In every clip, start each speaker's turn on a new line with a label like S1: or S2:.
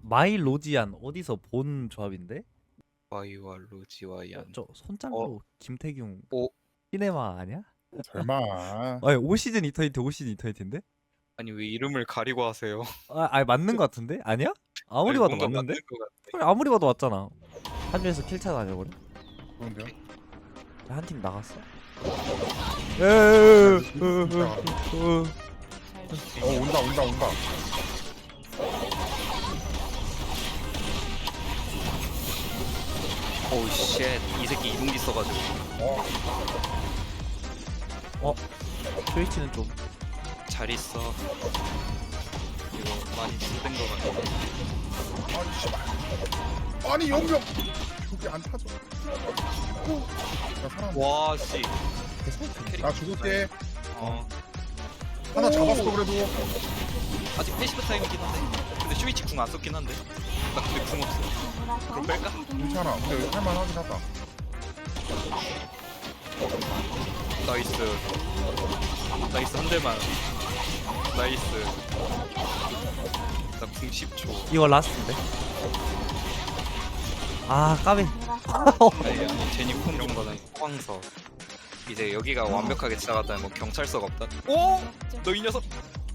S1: 마이 로지안 어디서 본 조합인데?
S2: 와이와 로지와얀.
S1: 저 손짱로 김태균
S2: 오
S1: 시네마 아니야?
S3: 설마.
S1: 아니 5시즌 이터니티 5시즌 이터니티인데?
S2: 아니 왜 이름을 가리고 하세요?
S1: 아니 맞는 거 같은데? 아니야? 아무리 봐도
S2: 뭔가
S1: 맞는데?
S2: 맞는 것 같아.
S1: 그래, 아무리 봐도 맞잖아. 한주에서 킬차 다녀버려?
S3: 그런데요?
S1: 한 팀 나갔어?
S3: 온다 온다 온다.
S2: 오우 쉣. 이 새끼 이동기 써가지고.
S1: 스위치는 좀
S2: 잘 있어. 이거 많이 쓰던 거 같아.
S3: 아니 씨발. 아니 영병. 저기 안 타죠. 나 사람.
S2: 와 씨.
S3: 나 죽을게. 하나
S2: 오!
S3: 잡았어 그래도.
S2: 아직 패시브 타임이긴 한데. 근데 슈이치 궁 안 썼긴 한데. 나 근데 궁 없어. 그럼 뺄까?
S3: 괜찮아. 근데 여기 할만하긴 하다.
S2: 나이스. 나이스 한 대만. 나이스. 나 궁 10초.
S1: 이거 라스트인데? 아 까비.
S2: 아니 제니 콩 정도는 호황서. 이제 여기가 완벽하게 지나갔다면 뭐 경찰서가 없다. 오! 너 이 녀석.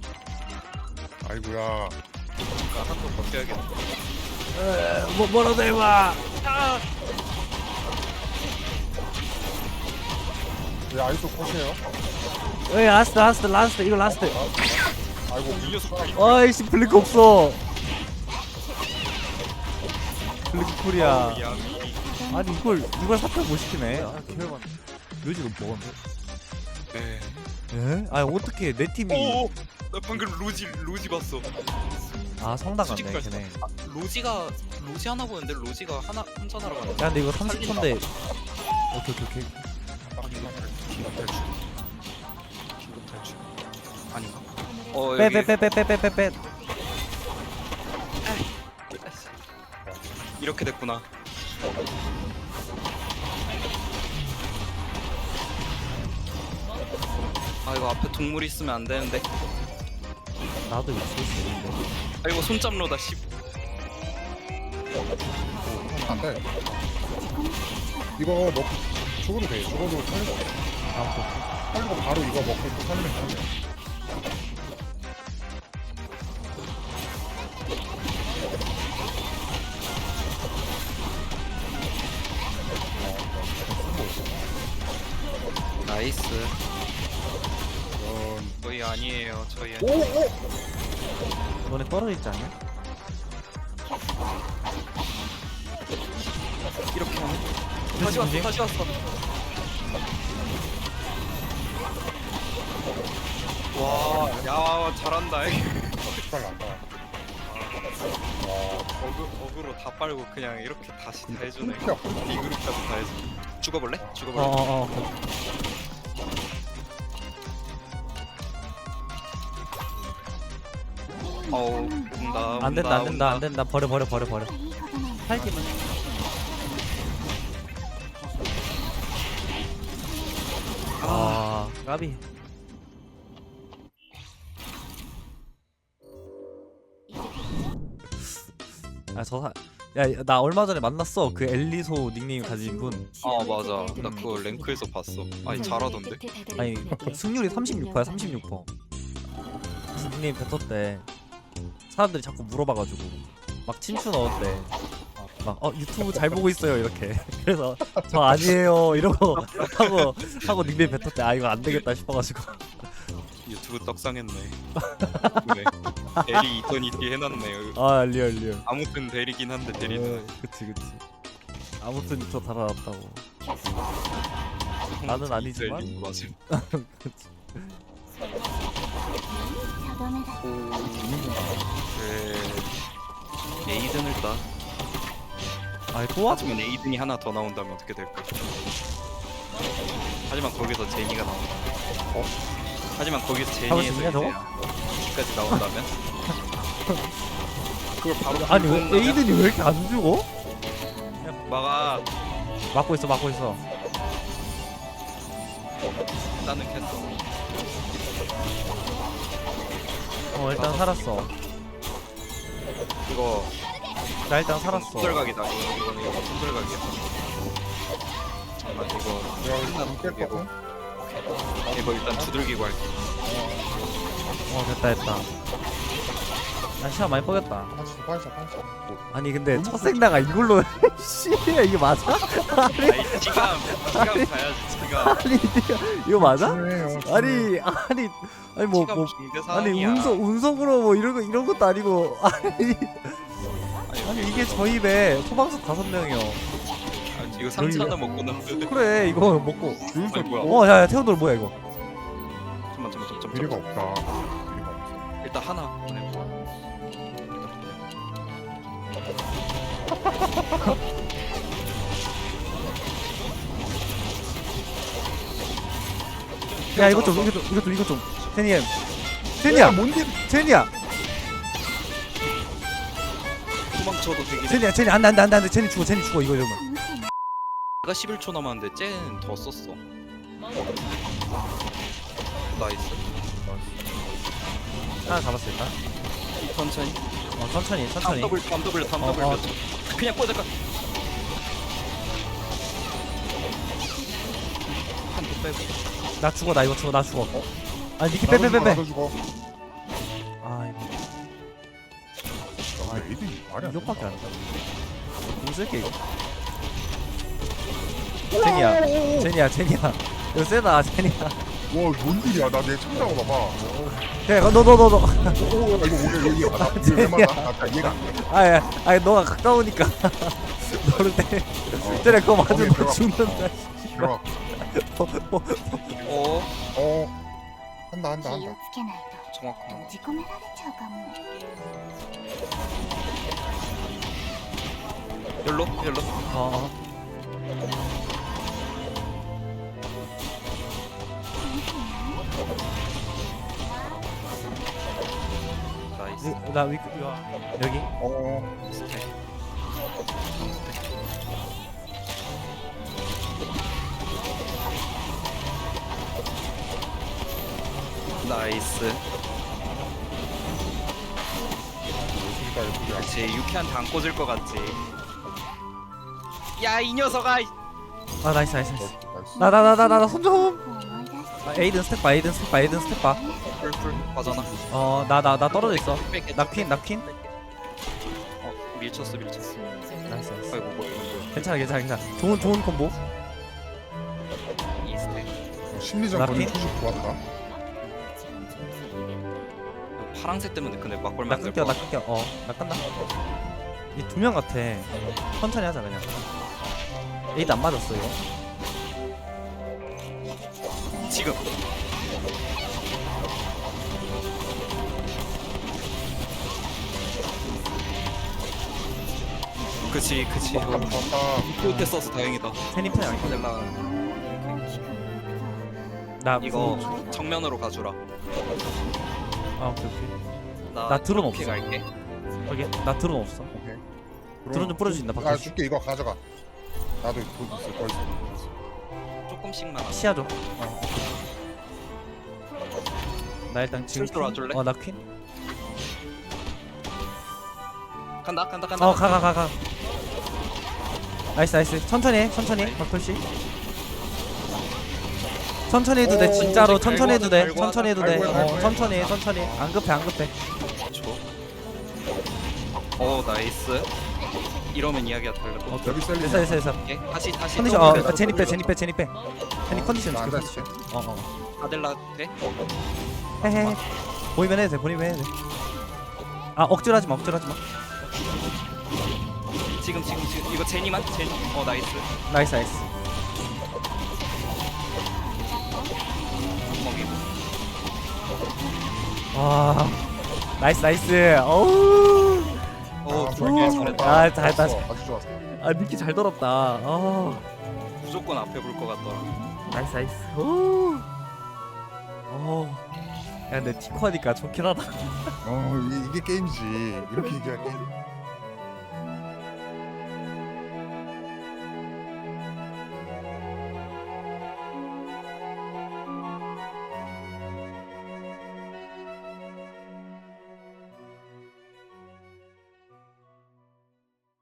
S3: 아이고야.
S2: 한번 버텨야겠다.
S1: 뭐라도 해봐.
S3: 왜 아이소 컷이에요?
S1: 에이 라스트 이거 라스트.
S3: 아이고
S2: 이 녀석.
S1: 아이씨 블링크 없어. 블링크 코리아.
S2: 야미.
S1: 아니 이걸 사표 못 시키네. 아 개열받. 묘지 너 먹었네.
S2: 네.
S1: 에? 아니 어떻게 내 팀이
S2: 오! 나 방금 로지 봤어.
S1: 아 성당 갔네
S2: 수직발.
S1: 걔네.
S2: 로지 하나 보는데 로지가 하나 혼전하러 가네.
S1: 야 근데 이거 30초인데. 오케이.
S2: 긴급 탈출. 아닌가?
S1: 빼.
S2: 이렇게 됐구나. 아 이거 앞에 동물 있으면 안 되는데.
S1: 나도 있을 수 있는데.
S2: 아 이거 손잡로다 씨.
S3: 안 돼. 이거 먹고 죽어도 돼. 죽어도 살리고. 살리고 바로 이거 먹고 또 살리면 돼.
S2: 나이스.
S3: 이런.
S2: 저희 아니에요. 저희
S3: 오
S2: 아니에요.
S3: 오.
S1: 너네 떨어져 있지 않냐?
S2: 이렇게 하네. 다시 왔어. 와, 야 잘한다.
S3: 잘 난다.
S2: 어그로 다 빨고 그냥 이렇게 다시 다 해주네.
S3: 피야.
S2: B그룹까지 다 해주네. 죽어볼래?
S1: 어어어.
S2: 어우,
S1: 안 된다. 버려. 팔기만. 아, 까비. 야, 나 얼마 전에 만났어. 그 엘리소 닉네임 가진 분.
S2: 아 맞아. 나 그거 랭크에서 봤어. 아니 잘하던데.
S1: 아니, 승률이 36%야, 36%. 닉네임 뱉었대. 사람들이 자꾸 물어봐가지고 막 친추 넣었대. 막 유튜브 잘 보고 있어요 이렇게. 그래서 저 아니에요 이러고 하고 닉네임 뱉었대. 아 이거 안 되겠다 싶어가지고.
S2: 유튜브 떡상했네. 그래. 대리 이터니티 해놨네.
S1: 아 리얼.
S2: 아무튼 대리긴 한데 대리는.
S1: 그치. 아무튼 저 달아놨다고. 나는 아니지만.
S2: 대리 맞음.
S1: 그치.
S2: 그래. 에이든을 따.
S1: 아니 또 왔?
S2: 하지만 에이든이 하나 더 나온다면 어떻게 될까? 하지만 거기서 제니가 나온다. 하지만 거기서
S1: 잡을 수
S2: 제니에서
S1: 있냐, 저거?
S2: 까지 나온다면? 그걸 바로
S1: 아니 왜
S2: 들고 온다면?
S1: 에이든이 왜 이렇게 안 죽어?
S2: 막아.
S1: 막고 있어.
S2: 나는 캤어.
S1: 일단 살았어.
S2: 이거
S1: 나 일단 살았어.
S2: 손절각이다. 이거 손절각이야. 잠깐만 이거
S3: 야 이거 깰
S2: 이거
S3: 거고.
S2: 이거 일단 두들기고 할게.
S1: 됐다. 나 시간 많이 뻐겼다.
S3: 반샷.
S1: 아니 근데 첫 생나가 이걸로 씨 이게 맞아? 아니
S2: 아이 지감 가야지 지감.
S1: 아니 이거 맞아?
S3: 중요해요.
S1: 아니 뭐
S2: 지감 중대
S1: 아니
S2: 사항이야.
S1: 운석으로 뭐 이런 것도 아니고 아니 이게 저희 배 소방서 5명이요.
S2: 아, 이거 3차 하나 먹고는
S1: 그래 이거 먹고.
S2: 아니 뭐야?
S1: 야야 태훈들 뭐야 이거?
S2: 잠깐만.
S3: 미래가 없다. 미래가 없어.
S2: 일단 하나 보내고.
S1: 야 이것 좀 제니야
S3: 뭔데?
S1: 제니야
S2: 도망쳐도 되긴 해.
S1: 제니 안돼 제니 죽어 이거 이러면.
S2: 내가 11초 남았는데 쟤는 더 썼어. 나이스.
S1: 하나 잡았어 일단.
S2: 천천히.
S1: 천천히
S2: 덤더블
S1: 어.
S2: 그냥 꽂을까? 한도 빼고.
S1: 나 죽어 나 죽어. 아 니키
S3: 나도
S1: 빼.
S3: 죽어.
S1: 아 이거
S3: 아 에이든이 말이 안 돼.
S1: 이것밖에 안 돼. 공 쓸게 이거. 제니야 이거 세다 제니야.
S3: 와뭔 일이야? 나 내 창자고 봐봐.
S1: 그래 너
S3: 오 이거 오늘 이해 맞아. 이게 왜 맞아? 나 이해가 안 돼.
S1: 아니 너가 가까우니까 너를 때 때려 그거 맞으면 너
S3: 들어가.
S1: 죽는다.
S3: 들어가.
S2: 어
S3: 한다.
S4: 気をつけないと
S2: 정확하다.
S4: 閉じ込められちゃうかも。
S2: 열로.
S1: 어.
S2: 나이스.
S1: 나 위크 이거 여기.
S2: 스택. 나이스. 그렇지. 유키한테 안 꽂을 것 같지. 야 이 녀석아.
S1: 아 나이스.
S3: 나이스.
S1: 나 손 좀.
S4: 思い出して
S1: 에이든 스텝 봐.
S2: 풀 맞아나.
S1: 나 떨어져 있어. 나 퀸.
S2: 밀쳤어.
S1: 나이스.
S2: 아이고 뭐야 이거.
S1: 괜찮아. 좋은 콤보.
S2: 이 스택.
S3: 심리전
S1: 라핀?
S3: 거리 투식 좋았다.
S2: 파랑색 때문에 근데 막걸
S1: 나
S2: 만들
S1: 끊겨.
S2: 거.
S1: 나 끈다. 이 2명 같아. 천천히 하자 그냥. 에이드 안 맞았어 이거.
S2: 지금. 그치.
S3: 좋았다.
S2: 그때 써서 다행이다.
S1: 세님 편이 아니야.
S2: 셀라
S4: 大きく動く
S1: 나
S2: 이거 정면으로 가주라.
S1: 오케이.
S2: 나
S1: 드론
S2: 트로피
S1: 없어.
S2: 갈게.
S1: 저기 나 드론 없어.
S3: 오케이.
S1: 드론 좀 뿌려줄 수 있나,
S3: 아
S1: 바꿔.
S3: 줄게 이거 가져가. 나도 돈 있어. 더 있어.
S2: 조금씩만.
S1: 시야 줘. 나 일단 지금
S2: 슬슬 와줄래?
S1: 나 퀸.
S2: 간다.
S1: 가. 나이스. 천천히 박돌씨. 천천히 해도 돼. 진짜로 천천히 해도 돼.
S2: 아이고,
S1: 천천히. 안 급해.
S2: 나이스. 이러면 이야기가 달라.
S3: 여기 셀리.
S1: 됐어.
S2: 오케이. 다시.
S1: 컨디션 제니 빼. 제니 컨디션
S3: 나
S1: 지켜.
S3: 앉아 있을게.
S2: 아델라 돼?
S1: 헤헤. 보이면 해도 돼. 억지로 하지 마.
S2: 지금. 이거 제니만. 나이스.
S1: 나이스.
S2: 먹이고.
S1: 와. 나이스. 어우.
S2: 좋게 잘했다.
S1: 아, 잘했다.
S3: 아주 좋았어.
S1: 니키 잘 돌았다.
S2: 무조건 앞에 볼 것 같더라.
S1: 나이스. 오. 야, 근데 티코하니까 좋긴 하다.
S3: 이게 게임이지. 이렇게 얘기할 게임.